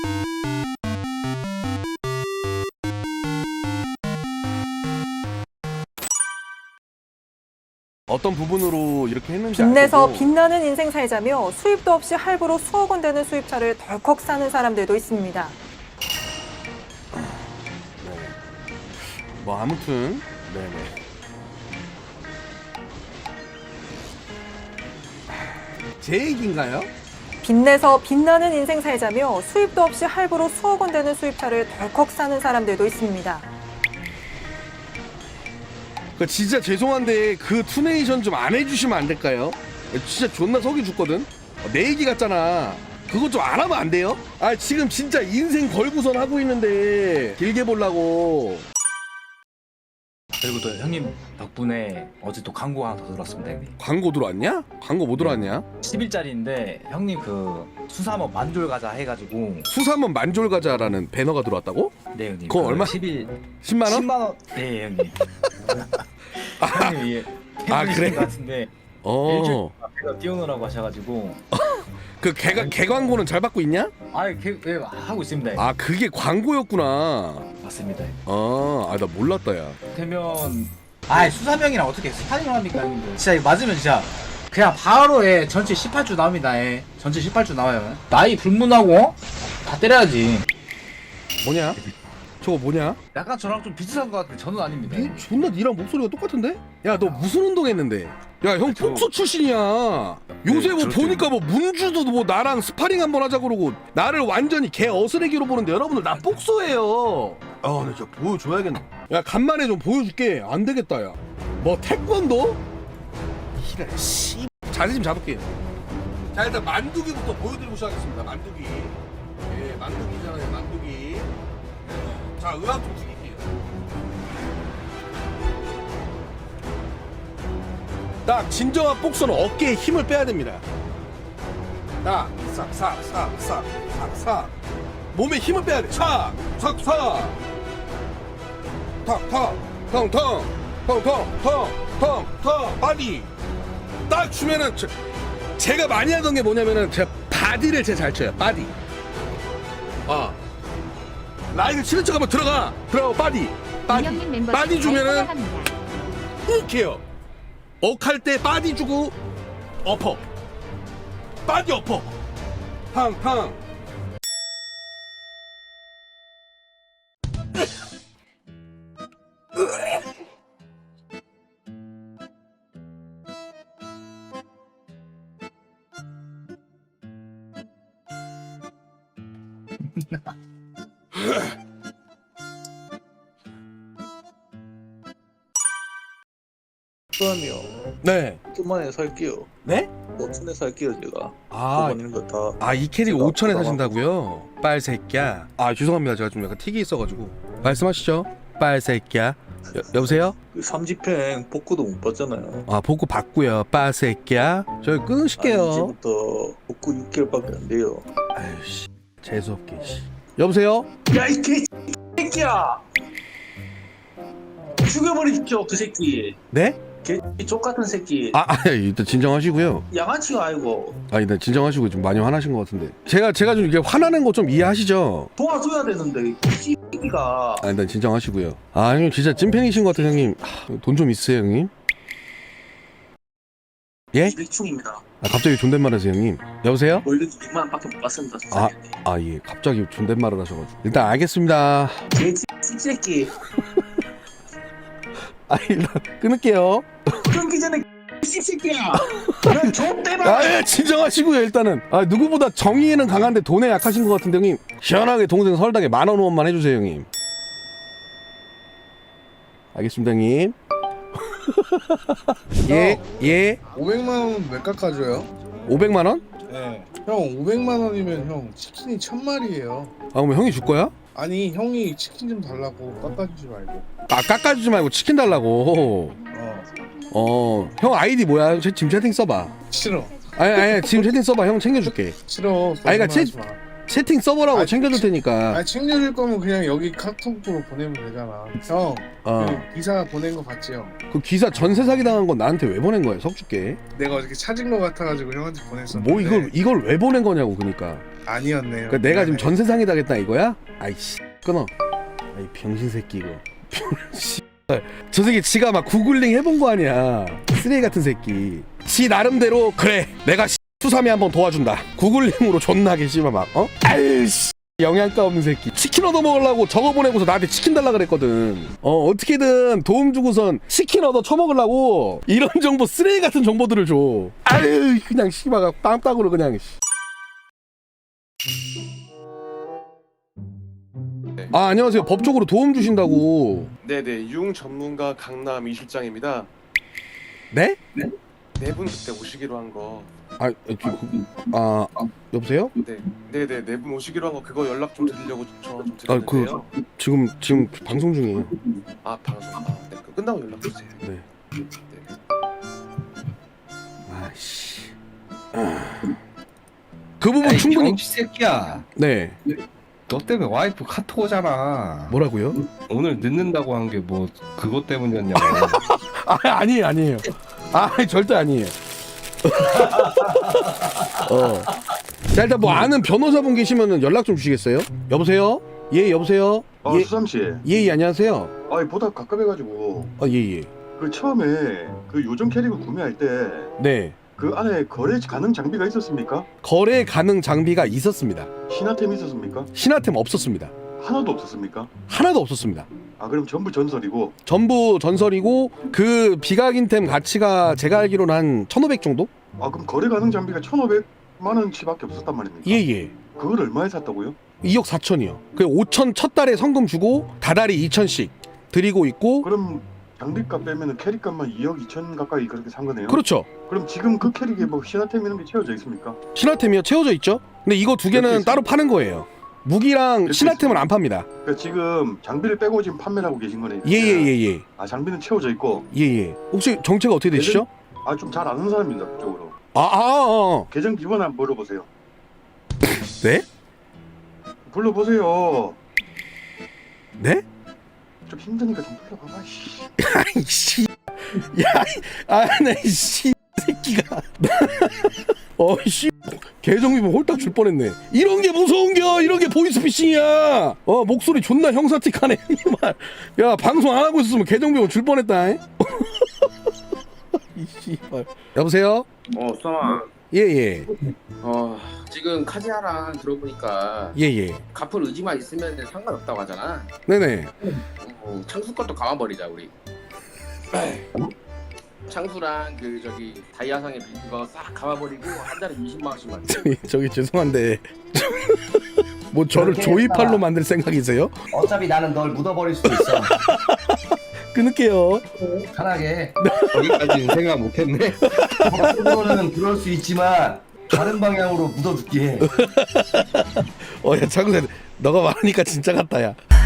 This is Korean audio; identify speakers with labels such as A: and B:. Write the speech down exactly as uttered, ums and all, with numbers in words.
A: 어떤 부분으로 이렇게 했는지
B: 빚내서
A: 알고
B: 빛나는 인생 살자며 수입도 없이 할부로 수억 원 되는 수입차를 덜컥 사는 사람들도 있습니다.
A: 네. 뭐 아무튼 네네. 제 얘기인가요?
B: 빚내서 빛나는 인생 살자며 수입도 없이 할부로 수억 원 되는 수입차를 덜컥 사는 사람들도 있습니다.
A: 그 진짜 죄송한데 그 투네이션 좀 안 해주시면 안 될까요? 진짜 존나 속이 죽거든. 내 얘기 같잖아. 그거 좀 안 하면 안 돼요? 아 지금 진짜 인생 걸고선 하고 있는데 길게 보려고.
C: 그리고 또 형님 덕분에 어제 또 광고 하나 더 들었습니다, 형님.
A: 광고 들어왔냐? 광고 뭐 들어왔냐?
C: 십 일짜리인데 형님 그 수삼업 만졸 가자 해가지고.
A: 수삼원 만졸 가자라는 배너가 들어왔다고?
C: 네 형님.
A: 그거
C: 그
A: 얼마?
C: 십 일
A: 십만 원?
C: 십만 원. 네 형님. 형님 이게
A: 아, 그래?
C: 같은데
A: 어.
C: 일주일 제가 띄워놓으라고 하셔가지고.
A: 그 개, 개 광고는 잘 받고 있냐?
C: 아, 그, 예, 하고 있습니다. 형님.
A: 아 그게 광고였구나.
C: 맞습니다. 형님.
A: 아, 아 나 몰랐다 야.
C: 되면 아 수삼형이랑 어떻게 스파링을 합니까 형님들? 진짜 이거 맞으면 진짜 그냥 바로 예 전체 십팔 주 나옵니다. 예 전체 십팔 주 나와요. 나이 불문하고 다 때려야지.
A: 뭐냐? 저거 뭐냐?
C: 약간 저랑 좀 비슷한 것 같은데 저는 아닙니다.
A: 뭐, 존나 니랑 목소리가 똑같은데? 야 너 무슨 운동했는데? 야 형
C: 저-
A: 폭소 출신이야. 요새 뭐
C: 그렇죠.
A: 보니까 뭐 문주도 뭐 나랑 스파링 한번 하자 그러고 나를 완전히 개 어스레기로 보는데 여러분들 나 폭소예요. 아 나 진짜 보여줘야겠네. 야 간만에 좀 보여줄게. 안 되겠다 야. 뭐 태권도? 이래 씨. 자세 좀 잡을게요. 자 일단 만두기부터 보여드리고 시작하겠습니다. 만두기. 예 만두기잖아요 만두기. 예. 자 의학 좀 죽일게요. 딱 진정한 복서는 어깨에 힘을 빼야 됩니다. 딱 싹싹싹싹싹싹 몸에 힘을 빼야 돼. 싹 싹싹 탁탁 텅텅 텅텅 텅텅텅 바디 딱 주면은 저, 제가 많이 하던 게 뭐냐면은 제가 바디를 제가 잘 쳐요. 바디. 아 라인을 치는 척하면 들어가 들어가 바디 바디 바디 주면은 이렇게요. 억할 때 바디 주고 어퍼 바디 어퍼 팡팡
D: 수함이요.
A: 네.
D: 오천만에 살게요.
A: 네?
D: 오천에 살게요 제가.
A: 아,
D: 돈 있는 거 다.
A: 아 이 캐릭
D: 제가
A: 오천에
D: 받아가-
A: 사신다고요? 빨새끼야. 아 죄송합니다. 제가 좀 약간 틱이 있어가지고. 말씀하시죠. 빨새끼야. 여, 여보세요?
D: 그 삼지팽 복구도 못 받잖아요.
A: 아 복구 받고요. 빨새끼야. 저희
D: 아니,
A: 끊으실게요.
D: 이제부터 복구 육 개월밖에 안 돼요.
A: 아유 씨. 재수없게 씨. 여보세요?
D: 야 이 개새끼야! 죽여버리십시오 그 새끼.
A: 네?
D: 개쪽 같은 새끼.
A: 아, 아 일단 진정하시고요.
D: 양아치가 아니고
A: 아 일단 진정하시고 좀 많이 화나신 것 같은데. 제가 제가 좀 이게 화나는 거 좀 이해하시죠?
D: 도와줘야 되는데 이 새끼가.
A: 아 일단 진정하시고요. 아 형님 진짜 찐팬이신 것 같아요 형님. 돈 좀 있으세요 형님? 예?
D: 일충입니다.
A: 아 갑자기 존댓말 하세요 형님. 여보세요?
D: 원래 이만 원밖에 못 받습니다.
A: 아. 아 예 갑자기 존댓말을 하셔가지고 일단 알겠습니다.
D: 개새끼.
A: 아 일단 끊을게요.
D: 끊기 전에 씹새끼야. 난 좆대박.
A: 아 예, 진정하시고요 일단은. 아 누구보다 정의에는 강한데 돈에 약하신 것 같은데 형님. 시원하게 동생 설당에 만원 후원만 해주세요 형님. 알겠습니다 형님. 예 예.
E: 오백만 원 왜 깎아줘요?
A: 오백만 원?
E: 네. 형 오백만 원이면 형 치킨이 천 마리예요.
A: 아 그럼 형이 줄 거야?
E: 아니 형이 치킨 좀 달라고 깎아주지 말고.
A: 아 깎아주지 말고 치킨 달라고.
E: 어
A: 어 형 아이디 뭐야? 제- 지금 채팅 써봐.
E: 싫어
A: 아니 아니 지금 채팅 써봐. 형 챙겨줄게.
E: 싫어.
A: 아니, 그러니까
E: 거짓말
A: 치-
E: 하지 마.
A: 채팅 써보라고
E: 아,
A: 챙겨줄 테니까.
E: 아니 챙겨줄 거면 그냥 여기 카톡으로 보내면 되잖아. 형
A: 어.
E: 그 기사 보낸 거 봤지 형?
A: 그 기사 전세 사기 당한 건 나한테 왜 보낸 거야? 석주께.
E: 내가 어저께 찾은 거 같아가지고 형한테 보냈었는데.
A: 뭐 이걸 이걸 왜 보낸 거냐고 그러니까.
E: 아니었네요.
A: 그 내가 지금
E: 미안해요.
A: 전 세상에 다겠다 이거야? 아이씨 끊어. 아이 병신 새끼 이거. 병신. 저 새끼 지가 막 구글링 해본 거 아니야. 쓰레기 같은 새끼. 지 나름대로 그래 내가 수삼이 한번 도와준다. 구글링으로 존나게 씨발 막 어? 아이씨. 영양가 없는 새끼. 치킨 얻어 먹으려고 저거 보내고서 나한테 치킨 달라 그랬거든. 어 어떻게든 도움 주고선 치킨 얻어 처먹으려고 이런 정보 쓰레기 같은 정보들을 줘. 아유 그냥 씨발 깜빡으로 그냥. 아 안녕하세요. 법적으로 도움 주신다고.
F: 네네, 융 전문가 강남 이 실장입니다.
A: 네?
F: 네 분 그때 오시기로 한 거.
A: 아, 저, 아 여보세요?
F: 네, 네네, 네 분 오시기로 한 거 그거 연락 좀 드리려고 전화 좀
A: 아, 그-
F: 드렸는데요.
A: 지금 지금 방송 중이에요.
F: 아 방송, 아, 네, 그 끝나고 연락 주세요.
A: 네.
F: 네.
A: 아씨. 아. 그 부분
G: 에이,
A: 충분히.
G: 병신 새끼야.
A: 네.
G: 너 때문에 와이프 카톡 오잖아.
A: 뭐라고요?
G: 오늘 늦는다고 한 게 뭐 그것 때문이었냐고.
A: 아 아니에요 아니에요. 아 절대 아니에요. 어. 자 일단 뭐 아는 변호사분 계시면은 연락 좀 주시겠어요? 여보세요? 예 여보세요?
H: 아
A: 예,
H: 수삼 씨,
A: 예, 예 안녕하세요.
H: 아 보다 가깝해가지고
A: 아 예예.
H: 그 처음에 그 요정 캐릭을 구매할 때 그
A: 네.
H: 안에 거래 가능 장비가 있었습니까?
A: 거래 가능 장비가 있었습니다.
H: 신화템 있었습니까?
A: 신화템 없었습니다.
H: 하나도 없었습니까?
A: 하나도 없었습니다.
H: 아 그럼 전부 전설이고.
A: 전부 전설이고 그 비각인템 가치가 제가 알기로는 한 천오백 정도?
H: 아 그럼 거래 가능 장비가 천오백만 원치밖에 없었단 말입니까?
A: 예예.
H: 그걸 얼마에 샀다고요?
A: 이억 사천이요. 그 오천 첫 달에 성금 주고 다달이 이천씩 드리고 있고.
H: 그럼 장비값 빼면은 캐릭값만 이억 이천 가까이 그렇게 산 거네요.
A: 그렇죠.
H: 그럼 지금 그 캐릭에 뭐 신화템 이런 게 채워져 있습니까?
A: 신화템이요 채워져 있죠. 근데 이거 두 개는
H: 그렇게
A: 따로 파는 거예요. 무기랑
H: 그렇게
A: 신화템은 안 팝니다.
H: 그러니까 지금 장비를 빼고 지금 판매를 하고 계신 거네요.
A: 예예예예.
H: 아 장비는 채워져 있고.
A: 예예. 혹시 정체가 어떻게 되시죠?
H: 아 좀 잘 아는 사람입니다 그쪽으로.
A: 아, 아, 아.
H: 계정 비번 한번 물어보세요.
A: 네?
H: 불러보세요.
A: 네?
H: 좀 힘드니까 좀 불러봐봐. 씨.
A: 아이 씨. 야, 아나씨 새끼가. 어씨. 계정비번 홀딱 줄 뻔했네. 이런 게 무서운겨. 이런 게 보이스피싱이야. 어 목소리 존나 형사틱하네. 야 방송 안 하고 있었으면 계정비번 줄 뻔했다. 이 씨발. 여보세요?
I: 어, 수삼아.
A: 예예.
I: 어, 지금 카지아랑 들어보니까
A: 예예.
I: 갚을 의지만 있으면 상관없다고 하잖아.
A: 네네.
I: 어, 창수 것도 감아버리자 우리. 창수랑 그 저기 다이아상의 그거 싹 감아버리고 한 달에 이십만 원씩만.
A: 저기, 저기 죄송한데 뭐 저를 조이팔로 만들 생각이세요?
J: 어차피 나는 널 묻어버릴 수도 있어.
A: 끊을게요.
J: 편하게.
G: 거기까지는 생각 못했네.
J: 법적으로는 그럴 수 있지만 다른 방향으로 묻어줄게.
A: 어야 창수 너가 말하니까 진짜 같다 야.